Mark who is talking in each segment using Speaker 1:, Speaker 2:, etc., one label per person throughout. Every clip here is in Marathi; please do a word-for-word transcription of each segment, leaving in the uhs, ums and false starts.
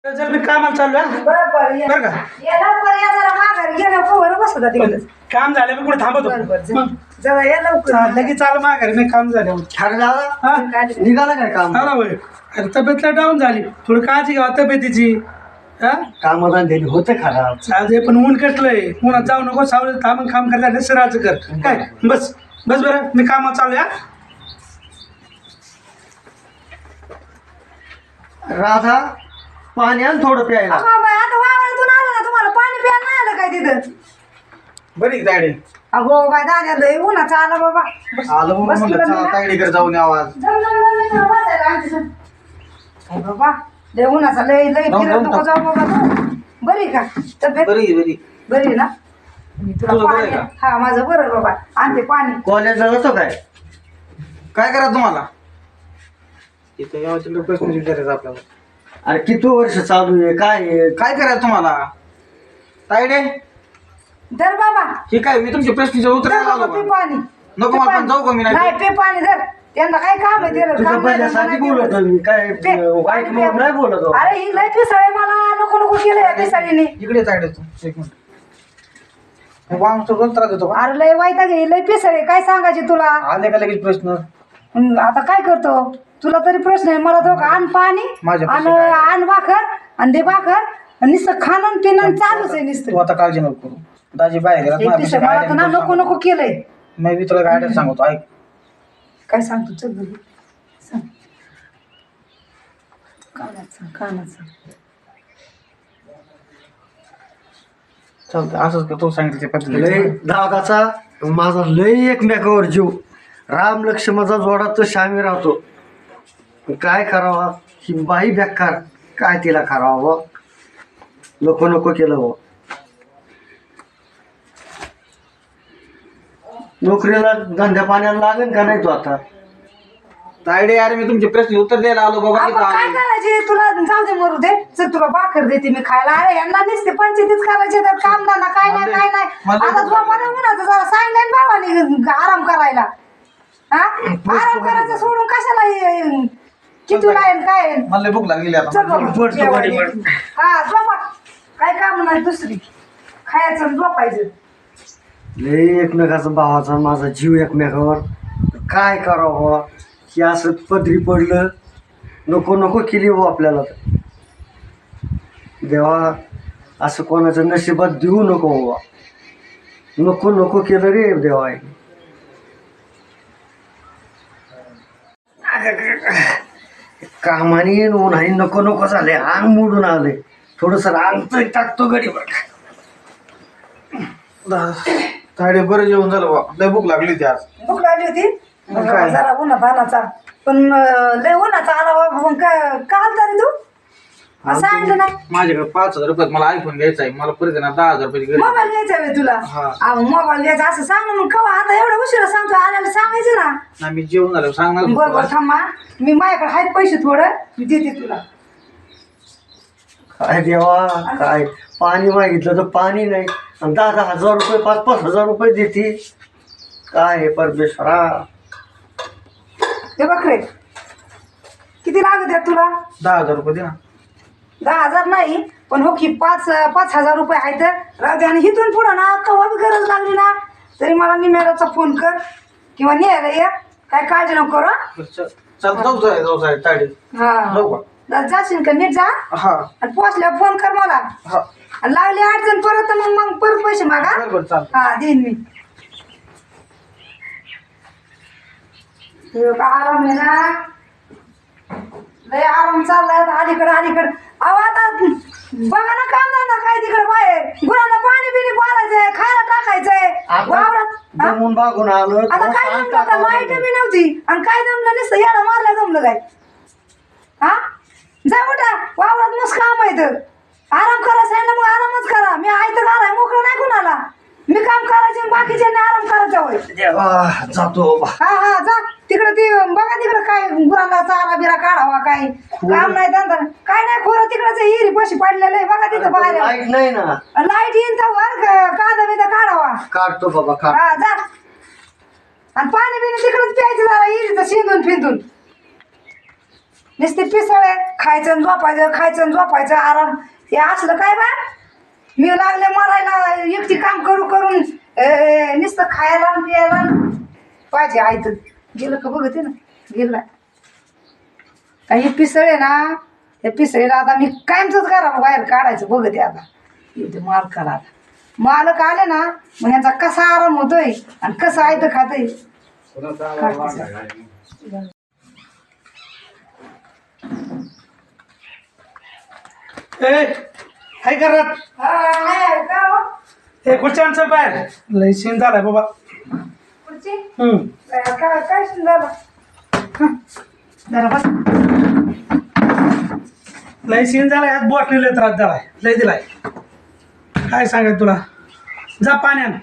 Speaker 1: चल मी कामाला चाललो हा.
Speaker 2: बरं बरं ये.
Speaker 1: बरं का
Speaker 2: ये लवकर या जरा माघारी गेल्या कवर बसत तिकडे.
Speaker 1: काम झालं मी कुठे थांबतो
Speaker 2: बरं बरं जा.
Speaker 1: मग
Speaker 2: जरा या लवकर.
Speaker 1: चाल, लगेच चाल माघारी नाही काम झालं
Speaker 3: अरे दादा
Speaker 1: हा
Speaker 3: निघाला काय काम
Speaker 1: आला होय अरे तब्येतला डाऊन झाली थोडी काळजी घ्या तब्येतीची हा
Speaker 3: कामाला दिली होते खराब
Speaker 1: चालते पण ऊन कसलंय उन्हात जाऊ नको सावलीत थांबून काम करता सराचं कर काय बस बस बरं मी कामाला चालू या
Speaker 3: राधा पाणी आण थोडं प्यायला
Speaker 2: अगं बाई, आता वावरातून आलं ना तुम्हाला पाणी प्यायला नाही आलं काय तिथं.
Speaker 1: बरी दाडे
Speaker 2: अगो बाय दाद्या लय उन्हाचं आलं बाबा. बस.
Speaker 3: आलो
Speaker 2: बस
Speaker 3: म्हणलं
Speaker 2: तुला
Speaker 3: चला
Speaker 2: मी ना-
Speaker 3: तायडीकडे जाऊन आवाज
Speaker 2: जम, जम, जम, जम, बसायला आमच्या संग. काय बाबा लय उन्हाचा लय लय
Speaker 3: जाऊ,
Speaker 2: फिरत
Speaker 3: जाऊ,
Speaker 2: नको जाऊ बाबा तू. बरी का तब्येत
Speaker 3: बरी बरी
Speaker 2: बरी ना मी तुला
Speaker 3: तुझं बरं
Speaker 2: पाणी
Speaker 3: आहे
Speaker 2: हा माझं बरं आहे बाबा आणते पाणी.
Speaker 3: कॉलेजला जातो काय
Speaker 4: काय करा तुम्हाला इथं यावं तिकडे प्रश्न विचारायचा आपल्याला
Speaker 3: अरे किती वर्ष चालू आहे काय आहे?
Speaker 4: काय करायचं तुम्हाला तायडे
Speaker 2: धर बाबा
Speaker 4: हे काय मी तुमच्या प्रश्नाचे उत्तर
Speaker 2: धर
Speaker 4: द्यायला
Speaker 2: बाबा
Speaker 4: आलो
Speaker 2: पे
Speaker 4: का?
Speaker 2: पाणी
Speaker 4: नको
Speaker 2: पे
Speaker 4: मला पण
Speaker 2: पाणी.
Speaker 4: जाऊ का मी नाही
Speaker 2: नाही पे पाणी धर त्यांना काय काम आहे त्याला
Speaker 3: तुझ्या
Speaker 2: काम नाही,
Speaker 3: पहिल्यासाठी
Speaker 2: नाही,
Speaker 3: बोलत
Speaker 2: नाही.
Speaker 3: मी काय
Speaker 2: पे,
Speaker 3: वाईट
Speaker 2: पाणी
Speaker 3: म्हणून
Speaker 2: पे.
Speaker 3: नाही बोलत हो.
Speaker 2: अरे ही लय पिसळे मला नको नको केलं या पिसाळीने.
Speaker 4: इकडे तायडे तू एक मिनिट वांग सगळं त्रास देतो का
Speaker 2: अरे लय वाईटा घे लय पिसळे काय सांगायचे तुला.
Speaker 4: आले का लगेच प्रश्न
Speaker 2: हं, आता काय करतो तुला तरी प्रश्न आहे मला तो का आण पाणी
Speaker 4: माझ्या
Speaker 2: आणि
Speaker 4: प्रश्न काय?
Speaker 2: आण भाकर आणि दे भाकर आणि नुसतं खाणं पिणं चालूच आहे
Speaker 4: तू
Speaker 2: नुसतं.
Speaker 4: आता काळजी नको करू दाजी बाहेर गेला
Speaker 2: हे पिसळ मला तर ना नको नको केलंय.
Speaker 4: मी तुला गाड्या सांगतो ऐक
Speaker 2: काय सांगतो चल बघू सांग कानात सांग कानात सांग.
Speaker 4: चालतं असंच का तू सांगितलं त्या
Speaker 3: लय
Speaker 4: पद्धतीने
Speaker 3: दादाचा माझा लय एकमेकावर जीव राम लक्ष्मणाचा जोडा तर शामी राहतो काय करावा ही बाई बेकार काय तिला करावं नको नको केलं हो नोकरीला धंद्या पाण्याला लागेल का नाही तू आता
Speaker 4: तायडे अरे मी तुमचे प्रश्न उत्तर द्यायला आलो बाबा
Speaker 2: आपण
Speaker 4: इथं
Speaker 2: काय
Speaker 4: आलो.
Speaker 2: करायचे तुला जाऊ दे मरू दे चल तुला भाकर देते मी खायला. अरे यांना नुसते पंचायतीच करायचे तर काम धंदा काय नाही काय नाही.
Speaker 4: मला-
Speaker 2: आता तुला मला म्हणायचं जरा सांगितलं ना भावाने आराम करायला. हा आराम करायचं सोडून कशाला हे- किती आहे काय आहे?
Speaker 4: मला लय भूक लागलेली आता
Speaker 2: चल बाबा,
Speaker 3: पडतो
Speaker 2: जेवायला
Speaker 3: गाडी
Speaker 2: ये. हा झोपा काय काम नाही दुसरी खायचं आणि झोपायचं.
Speaker 3: लय एकमेकाचा भावाचा माझा जीव एकमेकावर काय करावं की असं पदरी पडलं नको नको केली हो आपल्याला तर. देवा असं कोणाचं नशिबात देऊ नको बाबा नको नको केलं रे देवा कामाने उन्हाने नको नको झाले अंग मोडून आले थोडस अंग टाकतो गडी
Speaker 4: तायडे बरं जेवण झालं बा लय भूक लागली होती आज
Speaker 2: भूक लागली होती
Speaker 4: काय?
Speaker 2: जरा उन्हात आणाचा पण अं, लय उन्हाचा आला बाबा मग काय काल तरी तू असं सांगितलं नाही.
Speaker 4: माझ्याकडे पाच हजार रुपयात मला आयफोन घ्यायचा आहे मला परत आहे ना दहा हजार रुपयाची गरज आहे.
Speaker 2: मोबाईल घ्यायचा आहे तुला
Speaker 4: हा.
Speaker 2: अहो, मोबाईल घ्यायचा असं सांग ना मग कवा आता एवढं उशिरा सांगतो आल्याला सांगायचं ना.
Speaker 4: नाही मी जेवण झालं सांगणार होतो
Speaker 2: बरोबर
Speaker 4: तुला.
Speaker 2: थांबा मी माझ्याकडे आहेत पैसे थोडं मी देते तुला.
Speaker 3: काय देवा काय पाणी मागितलं तर पाणी नाही आणि दहा दहा हजार रुपये पाच पाच हजार रुपये देते काय हे परमेश्वरा
Speaker 2: ते बघ रे किती लागत आहेत तुला.
Speaker 4: दहा हजार रुपये दे ना
Speaker 2: दहा हजार नाही पण हो की पाच पाच हजार रुपये आहेत राहू दे. आणि इथून पुढं ना कवा बी गरज लागली ना तरी मला निम्याचा फोन कर किंवा न्यायला ये काय काळजी नको करू हं?
Speaker 4: बरं, चल चल जाऊ जाऊ जाऊ साहेब तायडे
Speaker 2: हा
Speaker 4: जाऊ का
Speaker 2: जा- जाशील का नीट जा
Speaker 4: हा
Speaker 2: आणि पोचल्यावर फोन कर मला
Speaker 4: हा
Speaker 2: आणि लागली अडचण परत तर मग मग परत पैसे मागा
Speaker 4: बरं बरं चालतं
Speaker 2: हा देईन मी. हे का आराम आहे ना लय आराम चाललाय आता अलीकडे अलीकडे. अहो आता बघा ना काम धंदा काय तिकडे बाहेर गुरांना पाणी बिणी पाजायचंय खायला टाकायचंय वावरात. हा?
Speaker 3: जमून बागून आलो
Speaker 2: आता काय जमलं आता लाईट बी नव्हती आणि काय जमलं नसतं याला मारलं जमलं काय. हा जा उठा वावरात मस्त काम आहे तर आराम करा सांगितलं मग आरामच करा. मी आहे तर घालाय मोकळं नाही कुणाला मी काम करायचे बाकीच्यांनी आराम करायचा होय.
Speaker 3: देवा जातो बा.
Speaker 2: हा हा जा तिकडे ती बघा तिकडे काय गुरांना चारा बिरा काढावा काय काम नाही धंदा नाही. काय नाही खोरं तिकडच हिरी पशी पडलेलं आहे बघा तिथं बाहेर
Speaker 3: लाईट नाही ना
Speaker 2: लाईट येईन तर वर कांदा बिदा काढावा.
Speaker 3: काढतो बाबा काढ
Speaker 2: हा जा आणि पाणी बिणी तिकडेच प्यायचं जरा हिरीचं शिंदून फिंदून. नुसते पिसळे खायचं आणि झोपायचं खायचं आणि झोपायचं आराम हे असलं काय बा मी लागले मरायला एकटी काम करू करून ए, नुसतं खायला आणि प्यायला पाहिजे आयत गेलं का बघते ना गेलं काही पिसळे ना हे पिसळीला आता मी कायमचंच करा बाहेर काढायचं बघते आता येते मालकाला आता मालक आले ना मग यांचा कसा आराम होतोय आणि कसं आयत खातोय
Speaker 1: ए काय करत हे खुर्च्या चल बाहेर लय सीन झालाय बाबा. हम्म.
Speaker 2: काय काय झालं जरा बस
Speaker 1: लय सीन झालाय आज बोट लय त्रास झालाय लय दिलाय काय सांगाय तुला जा पाण्यान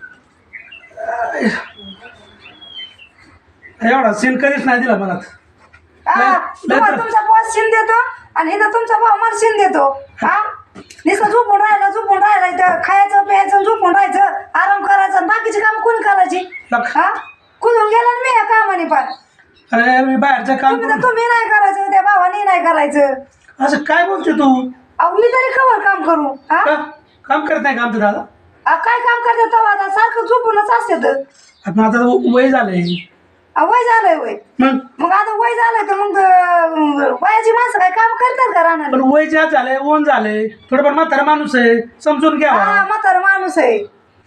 Speaker 1: एवढा सीन कधीच नाही दिला मला.
Speaker 2: हा, तुम्हाला तुमचा बॉस शिन देतो आणि इथं तुमचा भाऊ मला शिन देतो हा नुसतं झोपून राहिला झोपून राहिला इथं खायचं प्यायचं झोपून राहायचं आराम करायचं आणि बाकीची काम कोणी करायची हा कुठून गेला ना मी या कामाने पण
Speaker 1: अरे मी बाहेरचं काम
Speaker 2: तुम्ही तर तुम्ही नाही करायचं त्या भावाने नाही करायचं
Speaker 1: असं काय बोलते तू
Speaker 2: अहो मी तरी कवर काम करू हा
Speaker 1: का? काम करत नाही का आमचं दादा
Speaker 2: अहो, काय काम करते तेव्हा आता सारखं झोपूनच असते तर
Speaker 1: आता आता वय झालंय
Speaker 2: अहो, वय झालंय वय
Speaker 1: मग
Speaker 2: मग आता वय झालंय तर मग अं, वयाची माणसं काय काम करतात का राहणार
Speaker 1: पण वय जात झालंय ओन झालंय थोडंफार म्हातारा माणूस आहे समजून घ्यावा
Speaker 2: हा म्हातारा माणूस आहे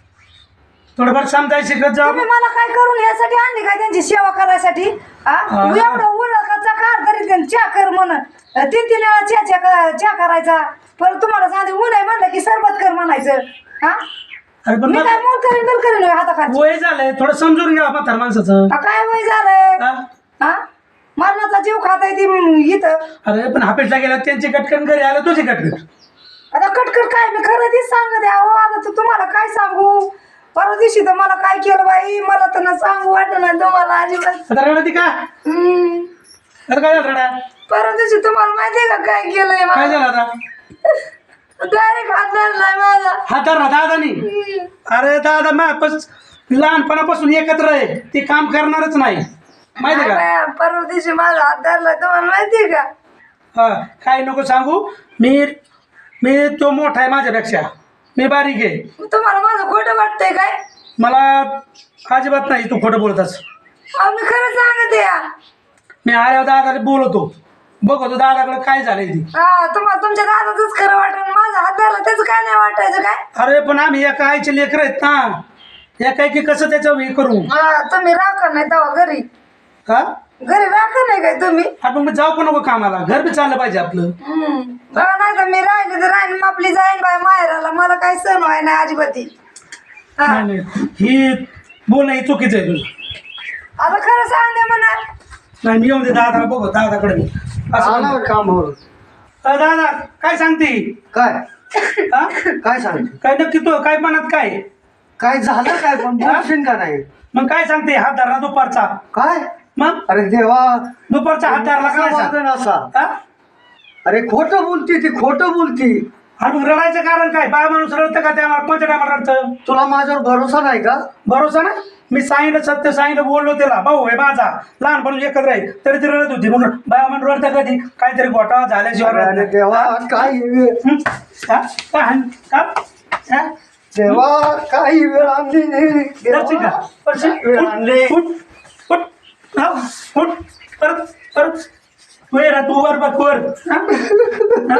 Speaker 1: थोडंफार समजाय शिकत जा.
Speaker 2: तुम्ही मला काय करून यासाठी आणली काय त्यांची सेवा करायसाठी हा
Speaker 1: हा.
Speaker 2: एवढं उलकाचा कार तरी त्यांनी चहा कर म्हण तीन तीन वेळा चहा चहा चहा करायचा परत तुम्हाला सांगते ऊन आहे म्हणलं की सरबत कर म्हणायचं हा
Speaker 1: अरे पण
Speaker 2: मी
Speaker 1: मग
Speaker 2: काय मोल करीन बिल करीन हाताखाली
Speaker 1: वय झालंय थोडं समजून घ्यावा म्हातारा माणसाचं.
Speaker 2: हा, काय वय झालंय
Speaker 1: हा?
Speaker 2: हा मरणाचा जीव खाताय ती इथं
Speaker 1: अरे पण हापेटला गेला त्यांची कटकन घरी आलं तुझी कटकन
Speaker 2: आता कटकट काय मी खरं तीच सांगत आहे अहो आता तर तुम्हाला काय सांगू परवा दिवशी तर मला काय केलं बाई मला तर ना सांगू वाटत नाही तुम्हाला अजिबात
Speaker 1: आता रडती का
Speaker 2: हम्म.
Speaker 1: अरे काय झालं रडा
Speaker 2: परवा दिवशी तुम्हाला माहितीये का काय केलंय
Speaker 1: काय
Speaker 2: मला
Speaker 1: झालं आता
Speaker 2: डायरेक्ट हात धरलाय माझा
Speaker 1: हातार ना दादानी अरे दादा मापस लहानपणापासून एकत्र आहे ते काम करणारच नाही माहिती का
Speaker 2: काय बाई, परवा दिवशी माझा हात धरलाय तुम्हाला माहितीये का
Speaker 1: हा काय नको सांगू मी मी तो मोठा आहे माझ्यापेक्षा मी बारीक आहे
Speaker 2: तुम्हाला माझं खोटं वाटतंय काय
Speaker 1: मला अजिबात नाही तू खोटं बोलतस
Speaker 2: अहो मी खरं सांगते या
Speaker 1: मी आल्यावर दादाला बोलवतो बघतो दादाकडे काय झालंय ती
Speaker 2: हा तुम्हाला तुमच्या दादाच खरं वाटत माझा हात धरला त्याचं काय नाही वाटायचं काय
Speaker 1: अरे पण आम्ही एका आईचे लेकर आहेत ना एका की कसं त्याचं हे करू
Speaker 2: हा तुम्ही राखा नाही तेव्हा घरी
Speaker 1: का
Speaker 2: घरी राखा नाही काय तुम्ही
Speaker 1: आपण मग जाऊ पण नको कामाला घर बी चाललं पाहिजे आपलं
Speaker 2: हम्म. हा, नाही तर मी राहिले तर राहीन आपली जाईन बाय माहेराला मला काही सण व्हाय नाही अजिबाती हा
Speaker 1: नाही नाही ही बोलणं ही चुकीचं आहे तुझं
Speaker 2: आता खरं सांगते म्हणा
Speaker 1: नाही मी येऊन दे दादाला बघू दादाकडे मी असं
Speaker 3: आला
Speaker 1: म्हणतो.
Speaker 3: कामावर
Speaker 1: अ, दादा काय सांगते
Speaker 3: काय
Speaker 1: हा?
Speaker 3: काय सांगते
Speaker 1: काय नक्की तो काय म्हणत काय
Speaker 3: काय झालं काय पण बोलशील का नाही
Speaker 1: मग काय सांगते हात धरला दुपारचा
Speaker 3: काय
Speaker 1: मग
Speaker 3: अरे देवा
Speaker 1: दुपारचा हात धरला
Speaker 3: कसं
Speaker 1: काय
Speaker 3: वागण असा
Speaker 1: हा?
Speaker 3: अरे खोटं बोलती ती खोटं बोलती
Speaker 1: आणि मग रडायचं कारण काय बाय माणूस रडतं का त्या कोणत्या टायमाला रडतं
Speaker 3: तुला माझ्यावर भरोसा नाही का
Speaker 1: भरोसा ना मी सांगितलं सत्य सांगितलं बोललो त्याला भाऊ आहे माझा लहानपणी एकत्र आहे तरी ती रडत होती म्हणून बाया म्हणून रडतं कधी काहीतरी घोटाळा झाल्याशिवाय रडत
Speaker 3: अरे
Speaker 1: नाही.
Speaker 3: देवा काय वेळ
Speaker 1: हं? का? का हाण? का? हा?
Speaker 3: देवा काही वेळ आणली नाही
Speaker 1: करशील का? करशील?
Speaker 3: वेळ
Speaker 1: उठ,
Speaker 3: आणली
Speaker 1: उठ, उठ. हा, उठ. परत परत तू ये ना तू वर बघ वर हा? हा?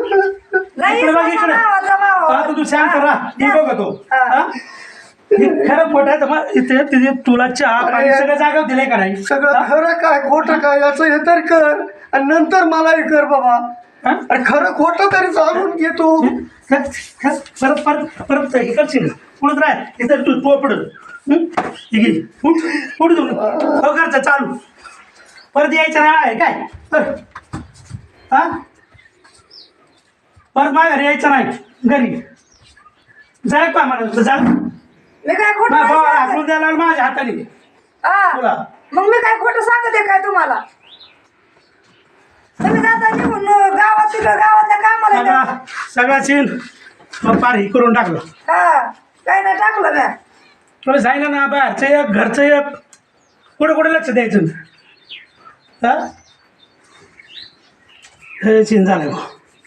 Speaker 2: नाही
Speaker 1: इकडे बघ इकडे
Speaker 2: भावाचा भाव.
Speaker 1: हा, तू तू शांत राहा मी बघतो
Speaker 2: हा.
Speaker 1: हा? हे खरं खोटं आहे तर मग इथे तिथे तुला चहा पाणी
Speaker 3: अरे.
Speaker 1: सगळं जागा दिलंय का नाही
Speaker 3: सगळं खरं काय खोटं काय याचं हे तर कर आणि नंतर मला हे कर बाबा
Speaker 1: हा?
Speaker 3: अरे खरं खोटं तरी जाणून घे तू
Speaker 1: परत परत परत हे करशील पुढत राह इथं तू पोपड उठ उठ तू हो करचं चालू परत यायचं नाही आहे काय बरं हा परत माझ्या घरी यायचं नाही घरी जाय का मला जा
Speaker 2: मी काय खोटं
Speaker 1: माझ्या
Speaker 2: नाही
Speaker 1: भावाला
Speaker 2: सांगत.
Speaker 1: हाकलून द्यायला लावलं माझ्या हाताने
Speaker 2: हा.
Speaker 1: तुला
Speaker 2: मग मी काय खोटं सांगते काय तुम्हाला तुम्ही जाता निघून अं, गावात तिकडं गावातल्या कामाला
Speaker 1: सगळा
Speaker 2: येता.
Speaker 1: सगळा सीन मग पार ही करून टाकलं
Speaker 2: हा काय नाही टाकलं म्या
Speaker 1: तुला सांगितलं ना बाहेरचं एक घरचं एक कुठं कुठं लक्ष द्यायचं हा हे चिन झालंय मग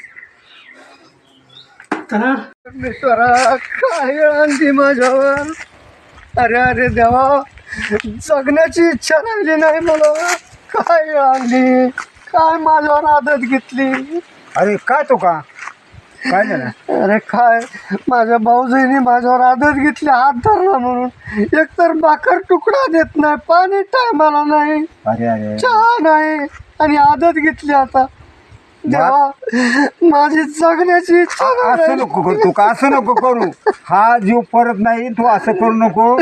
Speaker 1: तर
Speaker 3: परमेश्वरा काय आणली माझ्यावर. अरे अरे देवा, जगण्याची इच्छा राहिली नाही मला. काय आणली, काय माझ्यावर आदत घेतली.
Speaker 4: अरे काय तो का काय झालं.
Speaker 3: अरे काय, माझ्या भाऊजीने माझ्यावर आदत घेतली हात धरला म्हणून. एकतर भाकर तुकडा देत नाही, पाणी टायमाला नाही,
Speaker 4: अरे अरे
Speaker 3: चहा नाही, आणि आदत घेतली आता. देवा, माझी जगण्याची इच्छा नाही
Speaker 4: असं
Speaker 3: राहिली.
Speaker 4: नको करू तू का असं नको करू. हा जीव परत नाही, तू असं करू नको.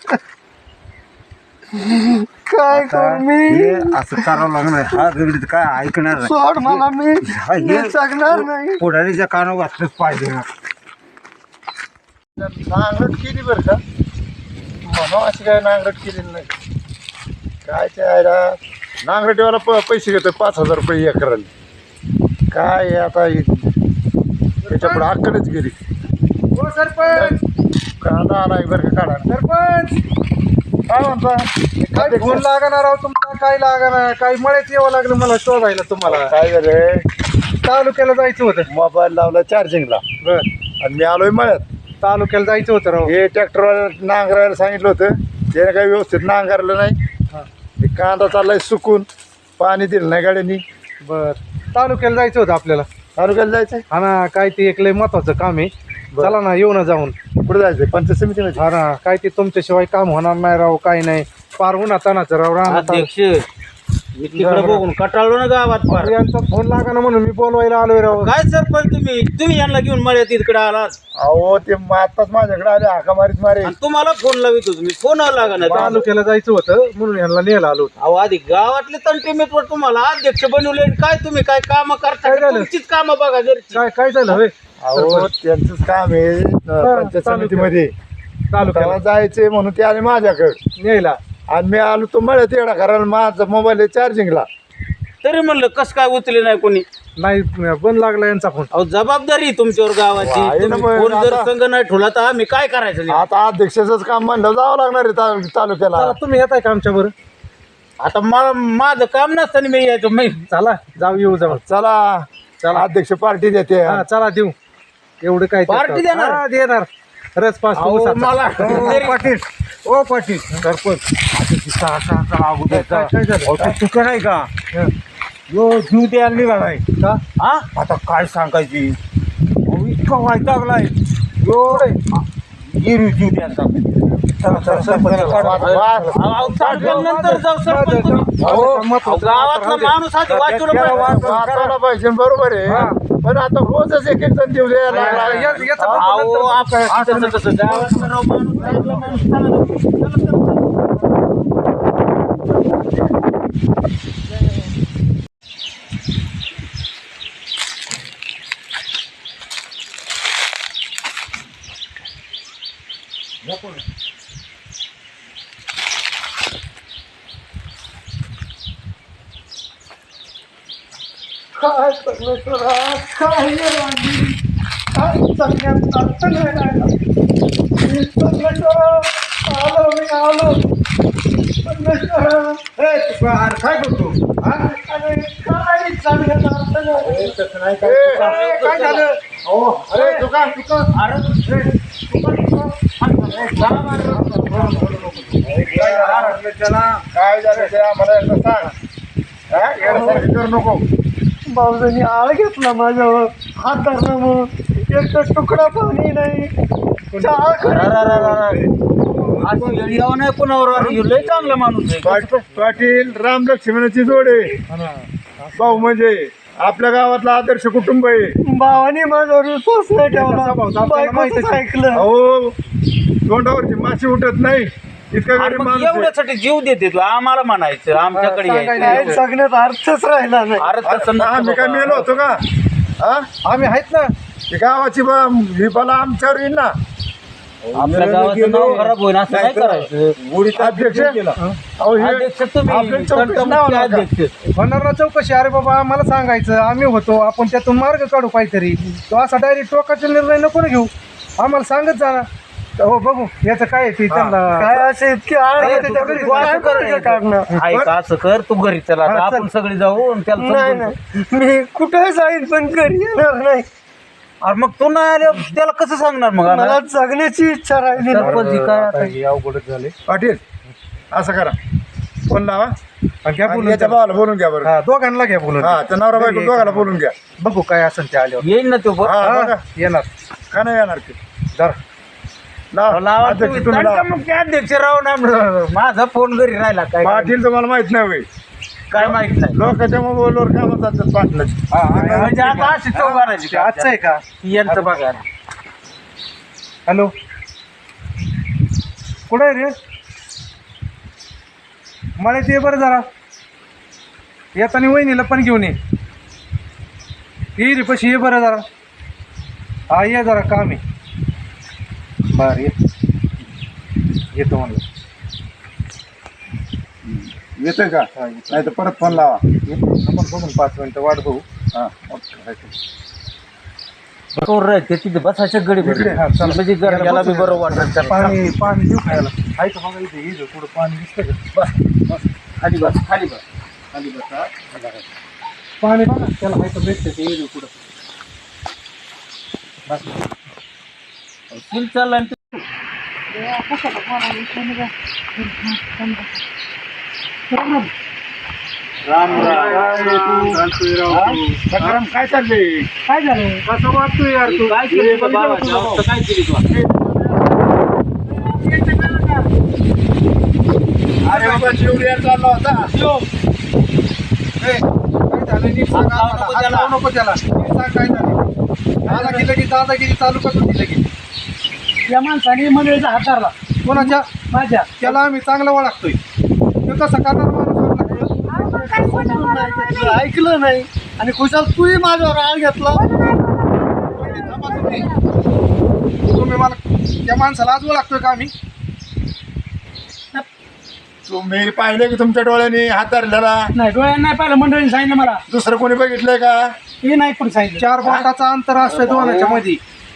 Speaker 3: काय करू मी.
Speaker 4: हे असं करावं लागणार. हा गरीब काय ऐकणार नाही.
Speaker 3: सोड मला, मी
Speaker 4: हा, हे-
Speaker 3: मी जगणार नाही.
Speaker 4: पुढारीच्या कानावर वाचलंच पाहिजे ना.
Speaker 3: नांगरट केली बरं का, म्हणून अशी काय नांगरट केलेली नाही. काय ते आयला नांगरटीवाला प पैसे घेतो पाच हजार रुपये एकराला. काय हे आता हे- त्याच्या पुढे अक्कलच गेली.
Speaker 4: हो सरपंच,
Speaker 3: काढा आला बरं का, काढा.
Speaker 4: सरपंच
Speaker 3: काय म्हणता.
Speaker 4: काय फोन लागणार आहो तुमचा. काय लागणार, काही मळ्यात यावं लागलं मला शोधायला तुम्हाला.
Speaker 3: काय झालं,
Speaker 4: तालुक्याला जायचं होतं.
Speaker 3: मोबाईल लावला चार्जिंगला
Speaker 4: बर,
Speaker 3: आणि मी आलोय मळ्यात.
Speaker 4: तालुक्याला जायचं होतं राव.
Speaker 3: हे ट्रॅक्टरवाला नांगरायला सांगितलं होतं, त्याने काही व्यवस्थित नांगरलं नाही.
Speaker 4: हा.
Speaker 3: हे कांदा चाललाय सुकून, पाणी दिलं नाही गाड्यांनी.
Speaker 4: बर, तालुक्याला जायचं होतं आपल्याला.
Speaker 3: तालुक्याला जायचंय.
Speaker 4: हा ना, काय ते एक लय महत्वाचं काम आहे. चला ना, येऊ ना जाऊन.
Speaker 3: कुठे जायचंय, पंचायत समितीमध्ये.
Speaker 4: हा ना, काय ते तुमच्याशिवाय काम होणार नाही राव. काय नाही, पार उन्हा तानाचं राव राहणार.
Speaker 5: अध्यक्ष मी तिकडे बघून कटाळलो ना गावात फार.
Speaker 4: यांचा फोन लागा ना म्हणून मी बोलवायला आलोय राव.
Speaker 5: काय सरपंच तुम्ही तुम्ही यांना घेऊन मळ्यात इकडे आलात
Speaker 3: अहो ते आताच माझ्याकडे आले, हाका मारीत मारे.
Speaker 5: आणि तुम्हाला फोन लावितो तुम्ही फोन लागा ना.
Speaker 4: तालुक्याला जायचं होतं म्हणून यांना न्यायला आलो होतो.
Speaker 5: अहो आधी गावातले तंटे मेटवर तुम्हाला अध्यक्ष बनवले. काय तुम्ही काय काम करता
Speaker 4: काय झालं?
Speaker 5: तुमचीच काम बघा घरची.
Speaker 4: काय काय झालं होय
Speaker 3: अहो त्यांचंच काम आहे अं, पंचायत समितीमध्ये.
Speaker 4: तालुक्याला
Speaker 3: तेव्हा जायचंय म्हणून ते आले माझ्याकडे,
Speaker 4: न्यायला.
Speaker 3: आणि मी आलो तो मळ्यात येडा कारण माझा मोबाईल आहे चार्जिंगला.
Speaker 5: तरी म्हणलं कस काय उचले नाही कोणी.
Speaker 4: नाही, बंद लागला यांचा फोन.
Speaker 5: अहो जबाबदारी आहे तुमच्यावर गावाची.
Speaker 3: आहे ना
Speaker 5: तुम्ही
Speaker 3: पण
Speaker 5: फोन जर
Speaker 3: आता-
Speaker 5: संघ नाही ठेवला तर आम्ही काय करायचं नाही?
Speaker 3: आता अध्यक्षाचंच काम म्हणलं जावं लागणार आहे ता- तालुक्याला.
Speaker 4: चला, तुम्ही येताय का आमच्या बरं.
Speaker 5: आता मला माझं काम नसताना मी यायचो मी.
Speaker 4: चला जाऊ, येऊ जाऊ.
Speaker 3: चला
Speaker 4: चला.
Speaker 3: अध्यक्ष पार्टी देते.
Speaker 4: हा चला देऊ. एवढं काय ते-
Speaker 5: पार्टी देणार?
Speaker 4: हा, देणार. रस पास
Speaker 5: अहो, मला
Speaker 4: पाटील.
Speaker 3: ओ पाटील सरपंच
Speaker 4: काय झालं?
Speaker 3: चुका नाही का
Speaker 4: हं.
Speaker 3: यो जीव द्यायला निघालाय
Speaker 4: का?
Speaker 5: हा
Speaker 3: आता काय सांगायची अहो, इतका वैतागलाय यो गिरी जीव द्यायला चला चला सरपंच
Speaker 5: अहो, सरपंच नंतर जाऊ सरपंच तुम्ही. अहो, गावातला माणूस आधी वाचवलं पाहिजे.
Speaker 3: वाचायला पाहिजे बरोबर आहे, पण आता रोजच एक एक जण जीव द्यायला लागला.
Speaker 4: या- याचा पण
Speaker 5: अहो,
Speaker 4: नंतर-
Speaker 5: आपण तसं तसं गावातला राव माणूस चांगला माणूस चांगला. चला, चला.
Speaker 3: काय परमेश्वरा, काय हे राणी, काय सगळ्यात अर्थ नाही राहिला. मी परमेश्वरा आलो, मी आलो परमेश्वरा.
Speaker 4: ए, तू अरे काय करतो. हा?
Speaker 3: अरे काय सगळ्यात अर्थ नाही.
Speaker 4: ए, तसं नाही
Speaker 3: ए,
Speaker 4: काय.
Speaker 3: ए, काय झालं.
Speaker 4: हो,
Speaker 3: अरे तुका तुका
Speaker 5: अरे,
Speaker 3: काय झालं ते आम्हाला एकदा सांग. हा, येड्यासारखं करू नको. भाऊजांनी आळ घेतला माझ्यावर, हात धरला मग एक तर तुकडा पाणी नाही, चहा
Speaker 5: असं येडी यावं नाही कोणावर. अरे, ह्यो लय चांगला माणूस आहे.
Speaker 3: पाट- पाटील राम लक्ष्मणाची जोड आहे. भाऊ म्हणजे आपल्या गावातला आदर्श कुटुंब आहे. भावाने माझ्यावर विश्वास नाही ठेवला, बायकोचंच ऐकलं. अहो तोंडावरची माशी उठत नाही, इतका
Speaker 5: अरे,
Speaker 3: गरीब
Speaker 5: मग
Speaker 3: माणूस आहे.
Speaker 5: एवढ्यासाठी जीव देते तू आम्हाला म्हणायचं आमच्याकडे
Speaker 4: सांगायचं.
Speaker 5: यायचं.
Speaker 3: सांगण्यात अर्थच राहिला नाही.
Speaker 5: अरे, तसं नसतं
Speaker 3: आम्ही काय
Speaker 5: बाबा.
Speaker 3: मेलो होतो का? हा?
Speaker 4: आम्ही आहेत ना.
Speaker 3: ही गावाची ब- ही बला आमच्यावर येईल ना.
Speaker 5: आपल्या गावाचं नाव खराब होईल असं नाही करायचं.
Speaker 3: अध्यक्ष अहो, हे
Speaker 5: अध्यक्ष तुम्ही
Speaker 3: आपलं चौकशी
Speaker 5: तंटामुक्ती
Speaker 3: नाव नका.
Speaker 5: अध्यक्ष.
Speaker 4: होणार ना चौकशी. अरे बाबा, आम्हाला सांगायचं, आम्ही होतो, आपण त्यातून मार्ग काढू काहीतरी. तो असा डायरेक्ट टोकाचा निर्णय नको ना घेऊ. आम्हाला सांगत जा ना. हो बघू याचं काय आहे ते त्यांना
Speaker 3: काय असे इतके आळ
Speaker 5: अरे,
Speaker 3: येते
Speaker 5: तू-
Speaker 3: त्या
Speaker 5: तू-
Speaker 3: घरी.
Speaker 5: तू असं
Speaker 3: काय
Speaker 5: कर,
Speaker 3: करते काढणं?
Speaker 5: ऐक असं कर तू घरी चला आता
Speaker 3: हा, चल.
Speaker 5: आपण सगळी जाऊ आणि त्याला
Speaker 3: नाही
Speaker 5: समजून सांगू.
Speaker 3: नाही मी कुठे जाईन पण घरी येणार नाही.
Speaker 5: अरे मग तू नाही आले त्याला कसं सांगणार मग आता?
Speaker 3: मला जगण्याची इच्छा राहिली नाही.
Speaker 5: सरपंच काय आता?
Speaker 4: अवघडच झाले
Speaker 6: पाटील असं करा फोन लावा
Speaker 4: घ्या
Speaker 6: आणि
Speaker 4: बोलून
Speaker 6: याच्या भावाला बोलून घ्या बरं
Speaker 4: हा दोघांना घ्या बोलून
Speaker 6: हा त्या नवरा बायको दोघाला बोलून घ्या
Speaker 4: बघू काय असेल ते आल्यावर
Speaker 5: येईन ना तो पण.
Speaker 6: हा
Speaker 4: हा,
Speaker 6: बघा
Speaker 4: येणार
Speaker 6: का नाही येणार ते
Speaker 4: जरा
Speaker 6: लावा.
Speaker 5: लावा
Speaker 6: अध्यक्ष
Speaker 5: तुम्ही.
Speaker 6: तुम्ही लावा.
Speaker 5: दणका मग काय अध्यक्ष राव ना माझा फोन घरी राहिला काय
Speaker 6: पाटील तुम्हाला माहित नाही होय
Speaker 5: काय माहित नाही
Speaker 6: लोकांच्या मोबाईलवर कामात जातात पाटलाची
Speaker 5: म्हणजे आता अशी चौघाराची
Speaker 4: ते आजचं आहे का
Speaker 5: यांचं बघा
Speaker 4: हॅलो कुठं आहे रे मला ते बरं जरा येताना वहिनीला पण घेऊन ये ये रे पशी ये बरं जरा हा ये जरा काम आहे बरं ये येतो म्हणलं
Speaker 6: येतोय का नाही तर परत फोन लावा
Speaker 4: येतो आपण बघून पाच मिनटं वाट बघू
Speaker 6: हा
Speaker 5: ते तिथे बसायच्या गडी
Speaker 4: इकडे, हा, चला.
Speaker 5: म्हणजे जरा याला बी बरं वाटत त्याला.
Speaker 4: पाणी पाणी देऊ खायला आहे का बघा इथे ये थोडं पाणी दिसतं का बस बस
Speaker 5: खाली बस खाली बस खाली बस हा.
Speaker 4: पाणी बघा त्याला आहे का भेटतं ते ये पुढं
Speaker 5: सील चालला आणि ते- राम राम
Speaker 6: सकाराम काय चाललंय
Speaker 1: काय झालं
Speaker 4: कसं वाटतोय यार तू
Speaker 5: काय केली तुझ्या भावाची अवस्था काय केली तू
Speaker 6: अरे बाबा शिवड्यावर चालला होता
Speaker 4: काय झालं नीट सांग
Speaker 5: हात लावू
Speaker 4: आम्हाला.
Speaker 5: नको
Speaker 4: हात
Speaker 5: त्याला.
Speaker 4: लावू नको त्याला नीट सांग काय झालं आला की लगेच दादागिरी चालू करतो ती लगेच
Speaker 1: या माणसाने मंडळीचा हात धरला
Speaker 4: कोणाच्या
Speaker 1: माझ्या
Speaker 4: त्याला आम्ही चांगलं ओळखतोय तो कसा करणार माणूस ओळखला?
Speaker 2: अहो, पण काय खोटं बोलायला
Speaker 3: तुला ऐकलं नाही आणि खुशाल तूही माझ्यावर आळ घेतला.
Speaker 4: थांबा तुम्ही. तुम्ही मला त्या माणसाला आज ओळखतोय का आम्ही
Speaker 6: तुम्ही पाहिले की तुमच्या डोळ्यांनी हात धरलेला
Speaker 1: नाही डोळ्यांना नाही पाहिलं मंडळीने सांगितलं मला
Speaker 6: दुसरं कोणी बघितलंय का
Speaker 1: हे नाही पण सांगितलं
Speaker 4: चार बोटाचा अंतर असतोय दोनाच्या मध्ये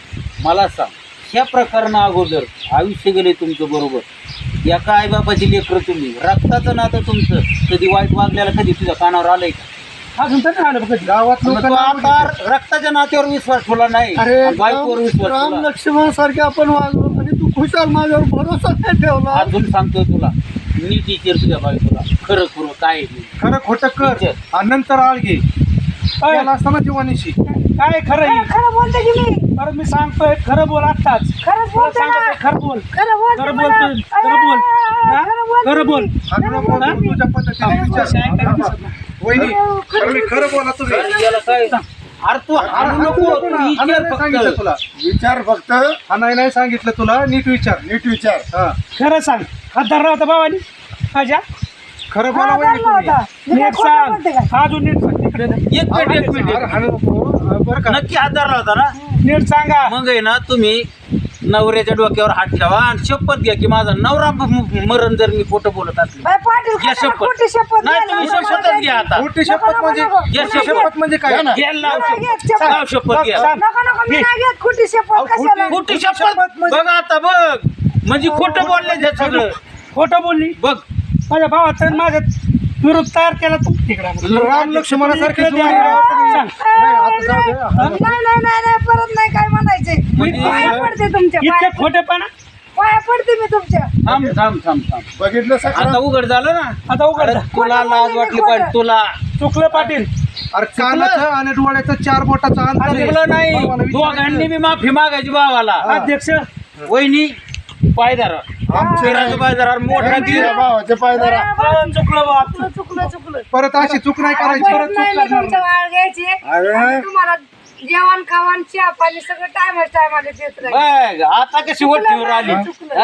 Speaker 5: मला सांग ह्या प्रकरणा अगोदर आयुष्य गेले तुमचं बरोबर या काय बापाची लेकरं तुम्ही रक्ताचं नातं तुमचं कधी वाईट वागल्याला कधी तुझ्या कानावर आलंय का
Speaker 1: अजून तर नाही आलं बघ कधी.
Speaker 4: गावात
Speaker 5: मग तो
Speaker 4: लोकांना
Speaker 5: आता रक्ताच्या नात्यावर विश्वास ठेवला नाही
Speaker 3: अरे
Speaker 5: आणि बायकोवर विश्वास
Speaker 3: राम
Speaker 5: ठेवला.
Speaker 3: लक्ष्मण सारखे आपण वागलो आणि तू खुशाल माझ्यावर भरोसा नाही ठेवला.
Speaker 5: अजून सांगतोय तुला नीट विचार तुझ्या बायकोला खरं खरं काय आहे ते.
Speaker 4: खरं खोटं कर आणि नंतर आळ घे
Speaker 1: अय,
Speaker 4: याला असताना जीवानीशी
Speaker 1: काय खरं
Speaker 2: खरं
Speaker 1: आहे?
Speaker 2: खरं बोलते की मी
Speaker 1: परत मी सांगतोय खरं बोल आत्ताच
Speaker 2: खरंच
Speaker 1: तुला
Speaker 2: बोलते ना
Speaker 1: सांगतोय खरं बोल
Speaker 2: खरं बोलते
Speaker 1: खरं
Speaker 2: मला.
Speaker 1: बोलतोय खरं बोल
Speaker 2: अय,
Speaker 1: हा?
Speaker 2: खरं बोलते
Speaker 1: खरं
Speaker 2: मी.
Speaker 1: बोल
Speaker 4: आणि नको बोलू तुझ्या पद्धतीने विचार वहिनी खरं खरं बोला तुम्ही
Speaker 5: याला काय अरे तू हाणू नको तू
Speaker 4: हा
Speaker 5: विचार
Speaker 4: नाही सांगितलं
Speaker 5: फक्त.
Speaker 4: तुला
Speaker 6: विचार फक्त
Speaker 4: हा नाही नाही सांगितलं तुला नीट विचार
Speaker 6: नीट विचार
Speaker 4: हा
Speaker 1: खरं सांग हात धरला होता भावानी माझ्या
Speaker 4: खरं बोला
Speaker 2: हा,
Speaker 4: वहिनी
Speaker 2: धरला
Speaker 4: तुम्ही
Speaker 2: होता. मी काय
Speaker 1: नीट
Speaker 2: खोटं बोलते
Speaker 1: सांग
Speaker 2: का?
Speaker 1: अजून नीट सांग इकडे दे.
Speaker 5: एक मिनिट एक मिनिट
Speaker 4: अरे हाणू नको. बरं का
Speaker 5: नक्की हात धरला होता ना
Speaker 1: नीट सांगा
Speaker 5: मग आहे ना तुम्ही नवऱ्याच्या डोक्यावर हात ठेवा आणि शपथ घ्या की माझा नवरा म- म- मरण जर मी खोटं बोलत असले
Speaker 2: बाई, पाटील
Speaker 5: घ्या
Speaker 2: कशाला
Speaker 5: शपथ
Speaker 2: खोटी शपथ
Speaker 5: नाही
Speaker 2: घ्यायला
Speaker 5: तुम्ही
Speaker 2: लागला
Speaker 5: शपथच
Speaker 2: मला?
Speaker 5: घ्या आता
Speaker 4: मोठी शपथ म्हणजे
Speaker 5: घ्या
Speaker 4: मोठी
Speaker 5: शपथ.
Speaker 4: शपथ म्हणजे काय
Speaker 5: घ्या लाव
Speaker 2: नाही
Speaker 5: शपथ
Speaker 2: घेत शपथ.
Speaker 5: लाव शपथ घ्या
Speaker 1: सांग.
Speaker 2: नको नको मी नाही घेत खोटी शपथ कशाला
Speaker 5: खोटी शपथ बघ आता बघ म्हणजे खोटं बोलले हे सगळं
Speaker 1: खोटं बोलली
Speaker 5: बघ
Speaker 1: माझ्या भावाचं माझ्या विरोध तयार केला तू तिकडे
Speaker 4: राम लक्ष्मणासारखे
Speaker 1: इकडे
Speaker 4: जोडी
Speaker 1: द्या.
Speaker 4: राव.
Speaker 1: सांग.
Speaker 4: नाही, आता जाऊ दे.
Speaker 2: नाही नाही नाही नाही परत नाही काय म्हणायचे
Speaker 5: म्हणजे-
Speaker 2: पाया पडते तुमच्या
Speaker 1: इतके
Speaker 2: पाया
Speaker 1: खोटेपणा
Speaker 2: पाया पडते मी तुमच्या
Speaker 5: थांब थांब थांब थांब
Speaker 6: बघितलं
Speaker 5: आता
Speaker 6: सकाराम
Speaker 5: उघड झालं ना
Speaker 1: आता उघड
Speaker 5: अरे
Speaker 1: जा.
Speaker 5: तुला लाज वाटली पाहिजे तुला
Speaker 1: चुकलं पाटील
Speaker 4: अरे कानाचं आणि डोळ्याचं चार बोटाचं अंतर आहे.
Speaker 5: चुकलं नाही
Speaker 4: भावाला विचारायचं.
Speaker 5: दोघांनी मी माफी मागायची भावाला
Speaker 1: अध्यक्ष
Speaker 5: वहिनी पायदार आमच्या पायदार मोठा ती
Speaker 6: भावाचे पायदारा
Speaker 1: अं, चुकलं बा
Speaker 2: चुकलं चुकलं चुकलं
Speaker 4: परत अशी चूक नाही करायची
Speaker 2: परत नाही मी तुमच्या वाळ घ्यायची आणि तुम्हाला जेवण खावण चहा पाणी सगळं टायमा टायमाला देत राहील
Speaker 5: बघ आता कशी वट्टीवर आली
Speaker 2: चुकलं.
Speaker 5: हा?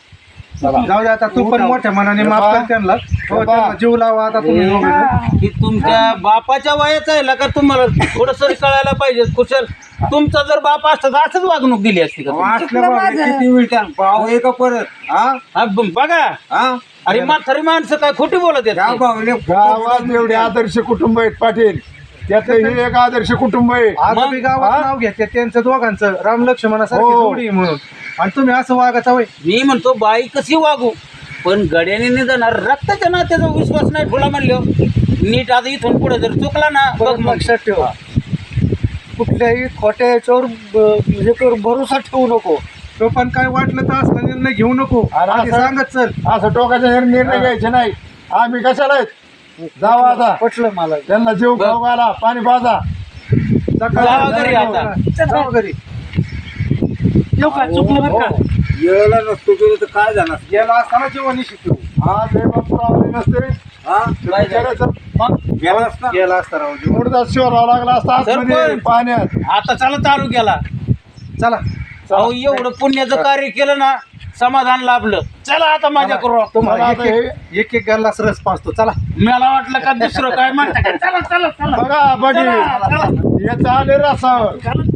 Speaker 4: जाऊ दे आता तू पण मोठ्या मनाने माफ कर त्यांना हो, त्यांना जीव लावा आता तुम्ही दोघं.
Speaker 2: हा.
Speaker 5: की तुमच्या बापाच्या वयाचा आहे ना का तुम्हाला थोडस कळायला पाहिजे कुशल तुमचा जर बाप असता तर असंच वागणूक दिली असती का तुम्ही?
Speaker 4: असल्या बाबा किती मिळतात भाव आहे का परत हा
Speaker 5: हा, ब- बघा
Speaker 4: हा
Speaker 5: अरे म्हातारी माणसं काय खोटी बोलत आहेत
Speaker 6: गावात एवढे आदर्श कुटुंब आहेत पाटील त्यातलं हे एक आदर्श कुटुंब आहे.
Speaker 4: आता बी गावात
Speaker 6: हा?
Speaker 4: नाव घेते त्यांचं दोघांचं राम लक्ष्मणासारखी
Speaker 6: हो.
Speaker 4: जोडी आहे म्हणून, आणि तुम्ही असं वागाचा वय.
Speaker 5: मी म्हणतो बाई कशी वागू, पण गड्याने नाही जाणार. रक्ताच्या नात्याचा विश्वास नाही ठेवला म्हणलं नीट. आता इथून पुढे जर चुकला ना बघ
Speaker 3: परत
Speaker 5: मग.
Speaker 3: लक्षात ठेवा, कुठल्याही खोट्या याच्यावर ब- हे कर भरोसा ठेवू नको.
Speaker 4: तो पण काय वाटलं तर असला निर्णय घेऊ नको,
Speaker 6: आणि
Speaker 4: आधी
Speaker 6: असं-
Speaker 4: सांगत चल.
Speaker 6: असं टोकाचे निर्णय घ्यायचे नाही. आम्ही कशाला आहेत? जावा आता,
Speaker 3: पटलं मला.
Speaker 6: त्यांना जीव खाऊ घाला, पाणी पाजा.
Speaker 5: जावा घरी आता.
Speaker 4: जावा घरी.
Speaker 1: येऊ का चुकलं बरं का
Speaker 7: येळाला नसतो गेलो तर काय जाणार?
Speaker 4: गेला असताना जेवण शिकतो.
Speaker 6: आज हे बापू आले नसते
Speaker 7: हा
Speaker 6: बिचाऱ्याचं
Speaker 7: गेला असता.
Speaker 4: गेला असता राव जेवण.
Speaker 6: मुडदा शिवराव लागला असता आतमध्ये
Speaker 5: सरपंच.
Speaker 6: पाण्यात.
Speaker 5: आता चला तालुक्याला.
Speaker 4: चला
Speaker 5: अहो एवढं पुण्याचं कार्य केलं ना, समाधान लाभलं. चला आता माझ्या करू.
Speaker 4: तुम्हाला
Speaker 6: मला
Speaker 4: एक
Speaker 6: आता
Speaker 4: एक- एक एक गल्लास रस पाचतो. चला
Speaker 5: मला वाटलं का दुसरं काय म्हणता का? चला चला चला
Speaker 6: बघा बघी
Speaker 5: चला, चला.
Speaker 6: याचं आले रसावर.
Speaker 5: चला